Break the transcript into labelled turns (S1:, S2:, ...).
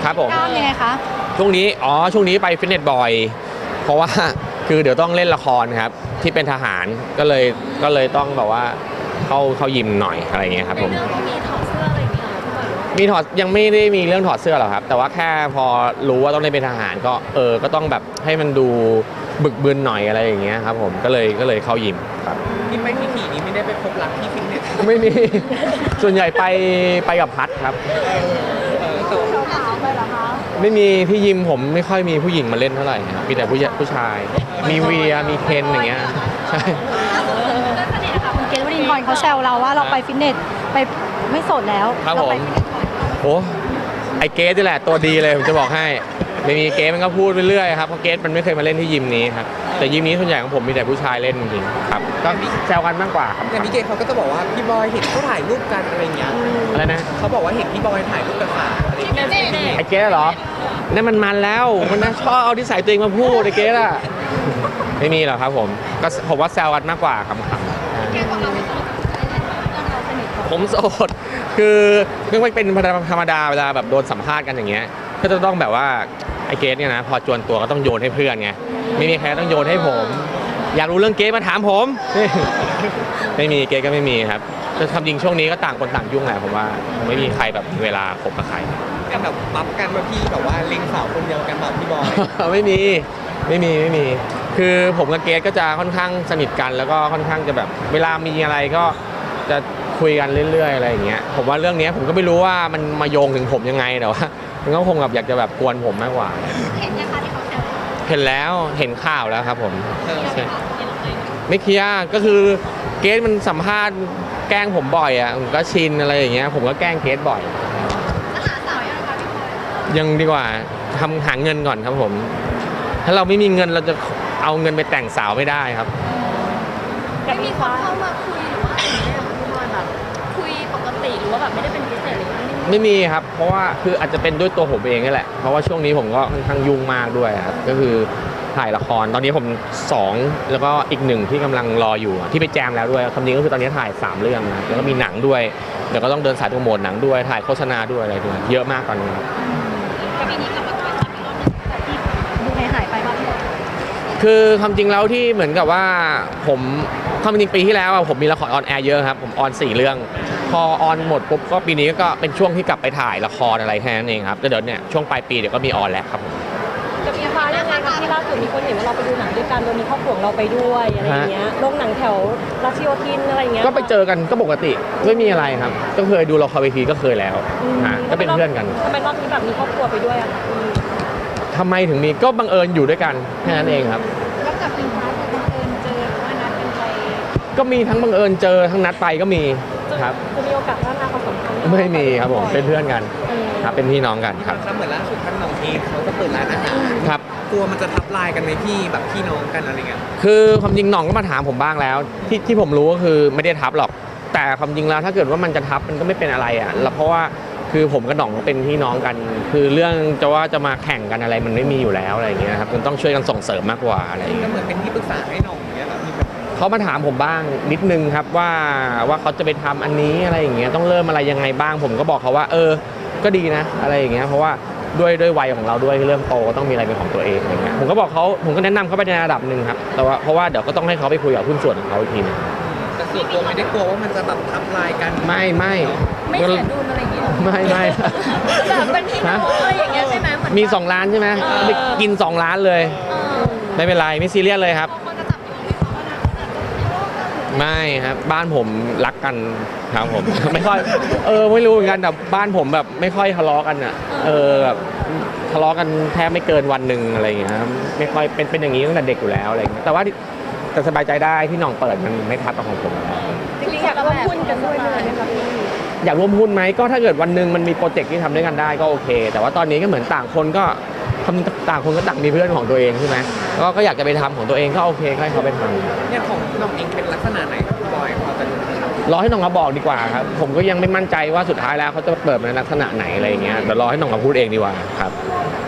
S1: ครับผม
S2: กล้ามยังไงคะ
S1: ช่วงนี้ไปฟิตเนสบ่อยเพราะว่าคือเดี๋ยวต้องเล่นละครครับที่เป็นทหารก็เลยต้องแบบว่าเข้ายิมหน่อยอะไรเงี้ยครับผม
S2: เรื่องที่มีถอดเสื้ออะไรอย่างเงี้ยพี่บอย
S1: มีถอดยังไม่ได้มีเรื่องถอดเสื้อหรอกครับแต่ว่าแค่พอรู้ว่าต้องได้เป็นทหารก็ต้องแบบให้มันดูบึกบึนหน่อยอะไรอย่างเงี้ยครับผมก็เลยเข้ายิมครับ
S3: ที่ไปที่ขี่นี้ไม่ได้ไปพบรักที่ฟิตเนส
S1: ไม่มีส่วนใหญ่ไปกับพัดครับ
S2: ขาวไปเหรอคะ
S1: ไม่มีที่ยิมผมไม่ค่อยมีผู้หญิงมาเล่นเท่าไหร่ครับมีแต่ผู้ชายมีเวียมีเคนอย่างเงี้ยใช่
S2: สนิทค่ะคุณเกศวรินทร์เขาแซวเราว่าเราไปฟิตเนสไปไม่โสดแล้ว
S1: ครับผมโอ้ไอเกสนี่แหละตัวดีเลยผมจะบอกให้ไม่มีเกสมันก็พูดไปเรื่อยครับเพราะเกสมันไม่เคยมาเล่นที่ยิมนี้ครับแต่ยิมนี้ส่วนใหญ่ของผมมีแต่ผู้ชายเล่นจริงๆครับก็แซวกันมากกว่าครับ
S3: อย่างพี่เกศเขาก็จะบอกว่าพี่บอยเห็นเขาถ่ายรูปกันอะไรเงี้ย
S1: อะไรนะ
S3: เขาบอกว่าเห็นพี่บอยถ่ายรูปกับสาวอะไรเงี้ย
S1: ไอเกสเหรอนั่นมันแล้วมันน่าชอบเอาที่ใส่ตัวเองมาพูดไอเกสอะไม่มีหรอกครับผมว่าแซวกันมากกว่าครับผมโสดคือไม่เป็นธรรมดาเวลาแบบโดนสัมภาษณ์กันอย่างเงี้ยก็จะต้องแบบว่าไอเกสเนี่ยนะพอจวนตัวก็ต้องโยนให้เพื่อนไงไม่มีใครต้องโยนให้ผมอยากรู้เรื่องเกสมาถามผมไม่มีเกสก็ไม่มีครับจะทำจริงช่วงนี้ก็ต่างคนต่างยุ่งแหละผมว่าไม่มีใครแบบเวลาคบกับใคร
S3: กันแบบปั๊บกันมาพี่แบบว่าเล็งสาวคนเดียวกันแบบพี่บอย
S1: ไม่มีคือผมกับเกสก็จะค่อนข้างสนิทกันแล้วก็ค่อนข้างจะแบบเวลามีอะไรก็จะคุยกันเรื่อยๆอะไรอย่างเงี้ยผมว่าเรื่องนี้ผมก็ไม่รู้ว่ามันมาโยงถึงผมยังไงแต่ว่ามันก็คงแบบอยากจะแบบกวนผมมากกว่า
S2: เห็นยังคะที่เขาแซว
S1: เห็นแล้วเห็นข่าวแล้วครับผมไม่เคลียร์ก็คือเกสมันสัมภาษณ์แกล้งผมบ่อยอ่ะผมก็ชินอะไรอย่างเงี้ยผมก็แกล้งเกสบ่อย
S2: หาสาวยังคะพี่บอย
S1: ยังดีกว่าหาเงินก่อนครับผมถ้าเราไม่มีเงินเราจะเอาเงินไปแต่งสาวไม่ได้ครับ
S2: ไม่มีคนเข้ามาคุยหรือว่าอะไรอย่างเงี้ยพี่บอยแบบคุยปกติหรือว่าแบบไม่ได้เป็นพิเศษอะไร
S1: ไม่มีครับเพราะว่าคืออาจจะเป็นด้วยตัวผมเองนี่แหละเพราะว่าช่วงนี้ผมก็ค่อนข้างยุ่งมากด้วยครับก็คือถ่ายละครตอนนี้ผม2แล้วก็อีก1ที่กำลังรออยู่ที่ไปแจมแล้วด้วยคำนี้ก็คือตอนนี้ถ่าย3เรื่องนะแล้วก็มีหนังด้วยเดี๋ยวก็ต้องเดินสายโปรโมทหนังด้วยถ่ายโฆษณาด้วยอะไรด้วยเยอะมากตอนนี้ครับ
S2: ปีนี้กลับมาถ่ายอีกรอบนึงแต่ที่ดูหายไปบ้าง
S1: คือความจริงแล้วที่เหมือนกับว่าผมความจริงปีที่แล้วผมมีละครออนแอร์เยอะครับผมออน4เรื่องพอออนหมดปุ๊บก็ปีนี้ก็เป็นช่วงที่กลับไปถ่ายละครอะไรแค่นั้นเองครับแล้วเดี๋ยวเนี่ยช่วงปลายปีเดี๋ยวก็มีออนแล้วครับผม
S2: จะมีพายังไงคะที่ล่าสุดมีคนเห็นว่าเราไปดูหนังด้วยกันโดยมีครอบครัวเราไปด้วยอะไรอย่างเงี้ยโรงหนังแถวรัชโยธินอะไรเงี้ย
S1: ก็ไปเจอกันก็ปกติไม่มีอะไรครับก็เคยดูละครเวทีก็เคยแล้วก็เป็นเพื่อนกัน
S2: ทำไมรอบนี้แบบมีครอบครัวไปด้วยอะคะ
S1: ทำไมถึงมีก็บังเอิญอยู่ด้วยกันแค่นั้นเองครับ
S2: แล้วกับเป็นพาร์ทบังเอิญเจอหรือว่านัดกันไป
S1: ก็มีทั้งบังเอิญเจอทั้งนัดไปก็มีครับ
S2: จะมีโอกาสพัฒนาความสัมพันธ์
S1: ไม่มีครับผมเป็นเพื่อนกันครับเป็นพี่น้องกันครับ
S3: เหมือนล่าสุดท่านน้องเองเขาก็เปิดร้านอาหาร
S1: ครับ
S3: กลัวมันจะทับลายกันไหมพี่แบบพี่น้องกันอะไรเงี้ย
S1: คือความจริงน้องก็มาถามผมบ้างแล้วที่ผมรู้ก็คือไม่ได้ทับหรอกแต่ความจริงแล้วถ้าเกิดว่ามันจะทับมันก็ไม่เป็นอะไรอ่ะแล้วเพราะว่าคือผมกับน้องเป็นพี่น้องกันคือเรื่องจะมาแข่งกันอะไรมันไม่มีอยู่แล้วอะไรอย่างเงี้ยครับมันต้องช่วยกันส่งเสริมมากกว่าอะไรอย่างเงี้
S3: ก็
S1: ย
S3: เหมือนเป็นที่ปรึกษาให้น้องอย่างเงี้ยแบบ
S1: เขามาถามผมบ้างนิดนึงครับว่าเขาจะไปทำอันนี้อะไรอย่างเงี้ยต้องเริ่มอะไรยังไงบ้างผมก็บอกเขาว่าก็ดีนะอะไรอย่างเงี้ยเพราะว่าด้วยวัยของเราด้วยเริ่มโตก็ต้องมีอะไรเป็นของตัวเองอะไรเงี้ยผมก็แนะนำเขาไปในระดับหนึ่งครับแต่ว่าเพราะว่าเดี๋ยวก็ต้องให้เขาไปคุยกับหุ้นส่วนของเขาอีกทีนึง
S3: แต่ส่วนตัวไม่ได้กลัวว่ามันจะแบบทับลายกัน
S1: ไม่
S2: เสียดุลอะไรอย่างเงี้ย
S1: ไม่
S2: แบบเป็นพี่น้องอะไรอย่างเงี้ยใช่ไหม
S1: มี2 ล้านใช่ไหมไปกิน2 ล้านเลยไม่เป็นไรไม่ซีเรียสเลยครับไม่ครับบ้านผมรักกันครับผมไม่ค่อยไม่รู้เหมือนกันแต่บ้านผมแบบไม่ค่อยทะเลาะกันอ่ะแบบทะเลาะกันแทบไม่เกินวันหนึ่งอะไรอย่างเงี้ยไม่ค่อยเป็นอย่างนี้ตั้งแต่เด็กอยู่แล้วอะไรอย่างเงี้ยแต่ว่าแต่สบายใจได้ที่น้องเปิดมันไม่ทับกับของผม
S2: จริงๆอยากร่วมหุ้นกันด้วยเลยไหมครับพี่
S1: อยากร่วมหุ้นไหมก็ถ้าเกิดวันหนึ่งมันมีโปรเจกต์ที่ทำด้วยกันได้ก็โอเคแต่ว่าตอนนี้ก็เหมือนต่างคนก็ต่างมีเพื่อนของตัวเองใช่ไหมก็อยากจะไปทำของตัวเองก็โอเคก็ให้เขาไปทำ
S3: เนี่ยของน้องเองเป็นลักษณะไหนครับบอยพอจะรู้ไหมครับ
S1: รอให้น้องมาบอกดีกว่าครับผมก็ยังไม่มั่นใจว่าสุดท้ายแล้วเขาจะเปิดในลักษณะไหนอะไรอย่างเงี้ยเดี๋ยวรอให้น้องมาพูดเองดีกว่าครับ